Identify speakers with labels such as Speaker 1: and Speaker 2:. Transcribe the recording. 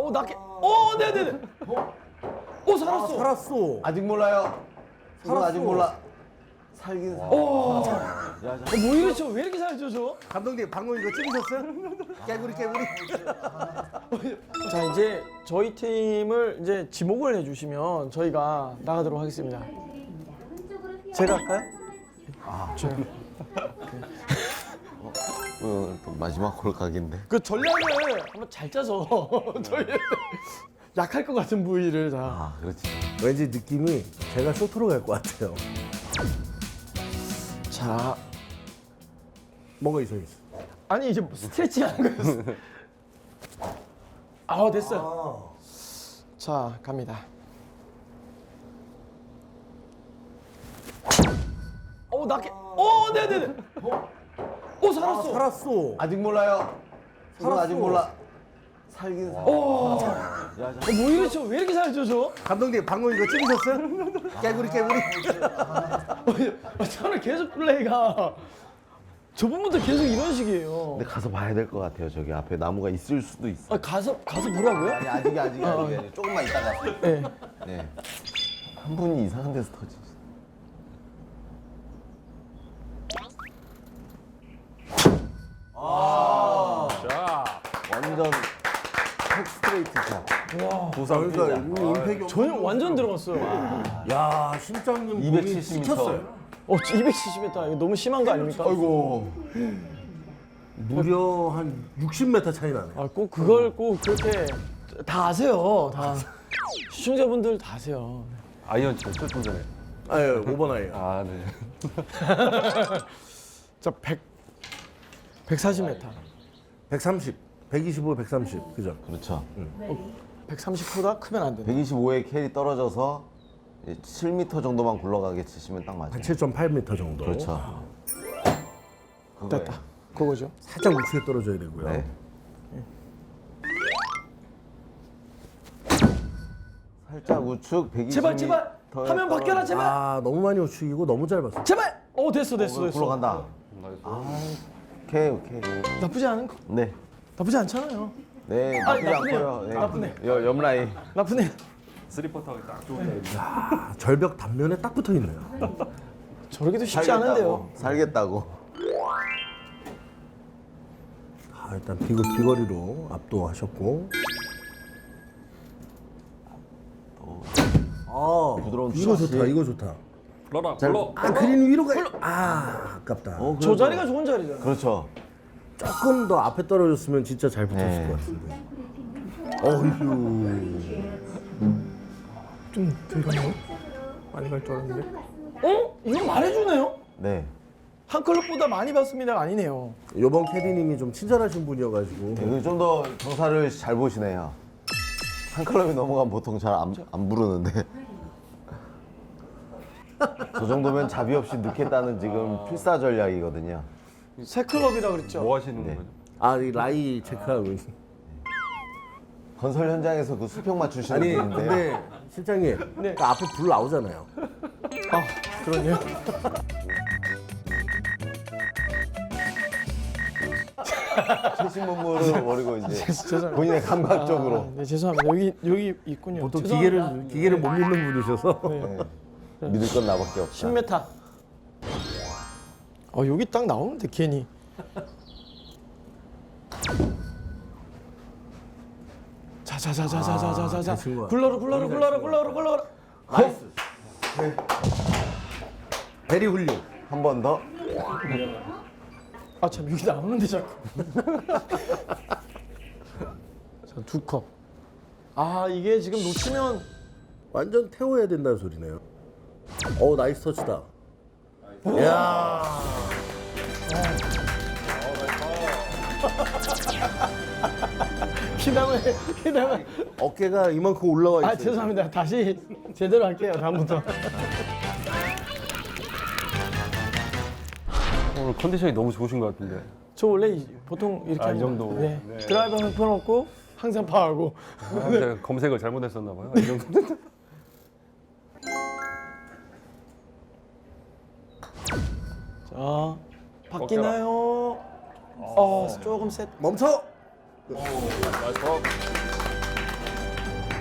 Speaker 1: 네네네. 살았어.
Speaker 2: 살았어.
Speaker 3: 아직 몰라요. 살았어. 아직 몰라. 살긴 살.
Speaker 1: 뭐 이렇죠? 왜 이렇게 살죠, 저?
Speaker 2: 감독님 방금 이거 찍으셨어요? 깨구리.
Speaker 1: 자, 이제 저희 팀을 이제 지목을 해주시면 저희가 나가도록 하겠습니다. 제가 할까요? 제가.
Speaker 3: 또 마지막 골각인데.
Speaker 1: 그 전략을 한번 잘 짜서 저희 약할 것 같은 부위를 다.
Speaker 3: 아, 그렇지.
Speaker 2: 왠지 느낌이 제가 쇼트로 갈 것 같아요.
Speaker 1: 자,
Speaker 2: 뭔가 있어.
Speaker 1: 아니 이제 스트레칭 하는 거였어. 됐어요. 자, 갑니다. 네네네. 살았어.
Speaker 2: 살았어.
Speaker 3: 아직 몰라요.
Speaker 2: 살았어.
Speaker 3: 아직 몰라. 살긴 살.
Speaker 1: 뭐 이렇죠? 왜 이렇게 살죠, 저?
Speaker 2: 감독님 방금 이거 찍으셨어요? 깨구리.
Speaker 1: 저는 계속 플레이가 저번부터 계속 이런 식이에요.
Speaker 3: 근데 가서 봐야 될 것 같아요. 저기 앞에 나무가 있을 수도 있어.
Speaker 1: 가서 보라고요?
Speaker 3: 아니 아직이. 조금만 있다가.
Speaker 1: 네.
Speaker 3: 네. 한 분이 이상한 데서 터지지. 완전 스트레이트 샷.
Speaker 2: 그러니까 임팩이
Speaker 1: 저는 완전 들어갔어요.
Speaker 2: 야 심장님
Speaker 3: 270m.
Speaker 2: 시켰어요.
Speaker 1: 270m 이거 너무 심한 거 아닙니까?
Speaker 3: 아이고.
Speaker 2: 무려 한 60m 차이 나네.
Speaker 1: 꼭 그걸 꼭 그렇게 다 아세요. 다 시청자분들 다 아세요.
Speaker 4: 아이언 쳤죠, 좀 전에.
Speaker 2: 아유 5번 아이요.
Speaker 4: 아, 네.
Speaker 1: 자, 140m.
Speaker 2: 130, 125, 130 그죠?
Speaker 3: 그렇죠.
Speaker 1: 130보다 크면 안 되네.
Speaker 3: 125에 캐리 떨어져서 7m 정도만 굴러가게 치시면 딱 맞아요.
Speaker 2: 한 7.8m 정도.
Speaker 3: 그렇죠.
Speaker 1: 됐다. 그거죠.
Speaker 2: 살짝 우측에 떨어져야 되고요.
Speaker 3: 네. 살짝 우측 120m.
Speaker 1: 제발 화면 바뀌어라 제발.
Speaker 2: 너무 많이 우측이고 너무 짧았어.
Speaker 1: 제발. 됐어.
Speaker 3: 굴러간다. 오케이.
Speaker 1: 나쁘지 않은 거.
Speaker 3: 네.
Speaker 1: 나쁘지 않잖아요.
Speaker 3: 네, 나쁘지
Speaker 1: 나쁘네요.
Speaker 3: 않고요. 네.
Speaker 1: 나쁘네.
Speaker 3: 옆라인.
Speaker 1: 나쁘네.
Speaker 4: 쓰리퍼터가 딱 좋은 날.
Speaker 2: 절벽 단면에 딱 붙어 있네요.
Speaker 1: 저러기도 쉽지 않은데요.
Speaker 3: 살겠다고.
Speaker 2: 일단 비거리로 압도하셨고.
Speaker 3: 부드러운
Speaker 2: 이거
Speaker 3: 샷이.
Speaker 2: 좋다. 이거 좋다.
Speaker 4: 불러.
Speaker 2: 그린 위로 가. 아깝다.
Speaker 1: 저 자리가 좋은 자리잖아요.
Speaker 3: 그렇죠.
Speaker 2: 조금 더 앞에 떨어졌으면 진짜 잘 붙었을
Speaker 3: 네.
Speaker 2: 것 같은데. 어휴.
Speaker 1: 좀 들어가요? 많이 갈 줄 알았는데. 이거 말해주네요?
Speaker 3: 네.
Speaker 1: 한 클럽보다 많이 봤습니다가 아니네요.
Speaker 2: 요번 캐디님이 좀 친절하신 분이어가지고.
Speaker 3: 좀 더 경사를 잘 보시네요. 한 클럽이 넘어가면 보통 잘 안 부르는데. 저 정도면 자비 없이 넣겠다는 지금 필사 전략이거든요.
Speaker 1: 새 클럽이라 그랬죠?
Speaker 4: 뭐 하시는
Speaker 3: 네.
Speaker 4: 거죠?
Speaker 2: 이 라이 체크하고.
Speaker 3: 건설 현장에서 그 수평 맞추시는
Speaker 2: 아니
Speaker 3: 분인데요.
Speaker 2: 근데 실장님
Speaker 1: 네.
Speaker 2: 그 앞에 불 나오잖아요.
Speaker 1: 그러네요.
Speaker 3: 최신 문물을 버리고 이제
Speaker 1: 죄송합니다.
Speaker 3: 본인의 감각적으로.
Speaker 1: 네, 죄송합니다. 여기 있군요.
Speaker 2: 보통
Speaker 1: 죄송합니다.
Speaker 2: 기계를 못 믿는 분이셔서.
Speaker 3: 네. 믿을 건 나밖에 없다.
Speaker 1: 10m. 여기 딱 나오는데 괜히. 자자자자자자자자.
Speaker 2: 잘 친 거야.
Speaker 1: 굴러라.
Speaker 2: 나이스. 베리 훌륭.
Speaker 3: 한 번 더.
Speaker 1: 참 여기 나오는데 자꾸. 자, 2컵. 이게 지금 놓치면
Speaker 2: 완전 태워야 된다는 소리네요. 나이스 터치다. 이야.
Speaker 1: 기다려.
Speaker 2: 어깨가 이만큼 올라와 있어요.
Speaker 1: 죄송합니다. 다시 제대로 할게요. 다음부터.
Speaker 4: 오늘 컨디션이 너무 좋으신 것 같은데.
Speaker 1: 저 원래 보통 이렇게
Speaker 4: 이
Speaker 1: 합니다.
Speaker 4: 정도.
Speaker 1: 네.
Speaker 4: 네.
Speaker 1: 드라이버는 펴놓고 항상 파하고.
Speaker 4: 제가 검색을 잘못했었나 봐요. 이 정도.
Speaker 1: 자, 바뀌나요? 조금 셋.
Speaker 2: 멈춰.
Speaker 4: 나이스.